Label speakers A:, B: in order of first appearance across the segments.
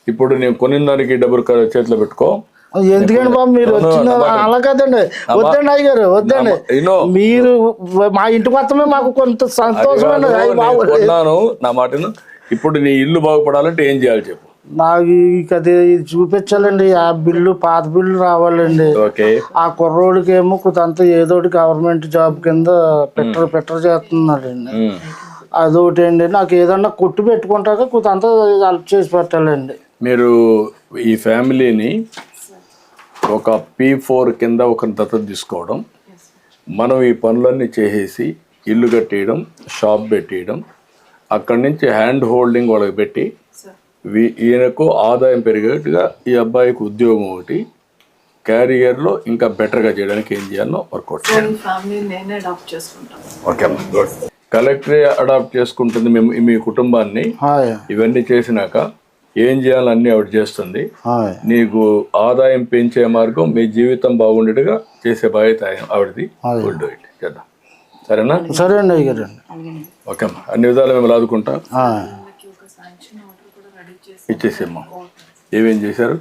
A: ఇప్పుడు నేను కొనిన దానికి డబ్బులు చేతిలో పెట్టుకో.
B: ఎందుకండి బాబు మీరు వచ్చిన అలా కదండి, వద్దండి అయ్యగారు వద్దండి. మీరు మా ఇంటి మొత్తమే మాకు కొంత సంతోషం
A: కొన్నాను, నా మాటను. ఇప్పుడు నీ ఇల్లు బాగుపడాలంటే ఏం చేయాలి చెప్పు.
B: నాకు అది చూపించాలండి, ఆ బిల్లు పాత బిల్లు రావాలండి. ఆ కుర్రోడికి ఏమో కొంత ఏదోటి గవర్నమెంట్ జాబ్ కింద పెట్టర్ చేస్తున్నాడండి. అదొకటి అండి, నాకు ఏదన్నా కొట్టు పెట్టుకుంటాక కొంత హెల్ప్ చేసి పెట్టాలండి.
A: మీరు ఈ ఫ్యామిలీని ఒక P4 కింద ఒక దత్తత తీసుకోవడం, మనం ఈ పనులన్నీ చేసేసి ఇల్లు కట్టేయడం, షాప్ పెట్టేయడం, అక్కడి నుంచి హ్యాండ్ హోల్డింగ్ వాళ్ళకి పెట్టి ఈయనకు ఆదాయం పెరిగేట్టుగా ఈ అబ్బాయికి ఉద్యోగం ఒకటి, క్యారియర్లో ఇంకా బెటర్గా చేయడానికి ఏం చేయాలో వర్కౌట్ చేయాలి. Okay, good. కలెక్టరే అడాప్ట్ చేసుకుంటుంది మీ కుటుంబాన్ని. ఇవన్నీ చేసినాక ఏం చేయాలన్నీ ఆవిడ చేస్తుంది. నీకు ఆదాయం పెంచే మార్గం, మీ జీవితం బాగుండేట్టుగా చేసే బాధ్యత ఆవిడది. గుడ్, ఇట్ చేద్దాం. సరేనా?
B: సరే అండి అయ్యారు.
A: ఓకే అమ్మా, అన్ని విధాలు మేము రాదుకుంటా. ఇచ్చేసేమ్మా. ఏమేం చేశారు?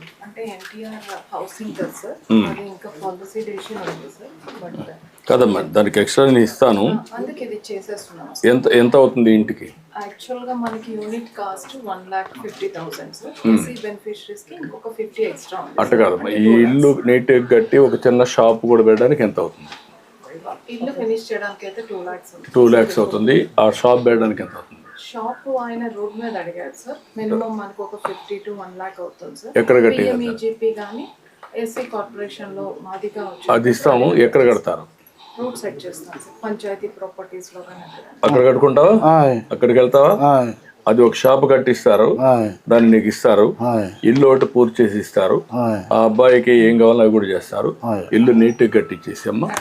A: కదమ్మా, దానికి ఎక్స్ట్రా నేను ఇస్తాను. ఎంత ఎంత అవుతుంది ఇంటికి?
C: యాక్చువల్గా మనకి యూనిట్ కాస్ట్ 1,50,000 బెనిఫిషరీస్ కి ఇంకొక 50 ఎక్స్ట్రా.
A: అట్ట కాదమ్మా, ఈ ఇల్లు నీట్గా కట్టి ఒక చిన్న షాప్ కూడా పెట్టడానికి ఎంత అవుతుంది?
C: ఇల్లు ఫినిష్ చేయడానికి అయితే
A: 2 lakhs అవుతుంది. ఆ షాప్ పెట్టడానికి ఎంత అవుతుంది?
C: షాప్ ఆయన రోడ్ మీద అడిగారు సార్, మినిమం మనకు ఒక 50 to 1 lakh అవుతుంది సార్.
A: ఎక్కడ కట్టి?
C: PMEGP కానీ ఎస్సీ కార్పొరేషన్ లో మాదిగా
A: అది ఇస్తాము. ఎక్కడ కడతారు?
C: రూట్ సెట్ చేస్తాం సార్, పంచాయతీ ప్రాపర్టీస్ లో కానీ.
A: అక్కడ కట్టుకుంటావా? అక్కడికి వెళ్తావా? అది ఒక షాప్ కట్టిస్తారు, దాన్ని నీకు ఇస్తారు. ఇల్లు ఒకటి పూర్తి చేసి ఇస్తారు. ఆ అబ్బాయికి ఏం కావాలో అవి కూడా చేస్తారు. ఇల్లు నీట్గా కట్టించేసి అమ్మా.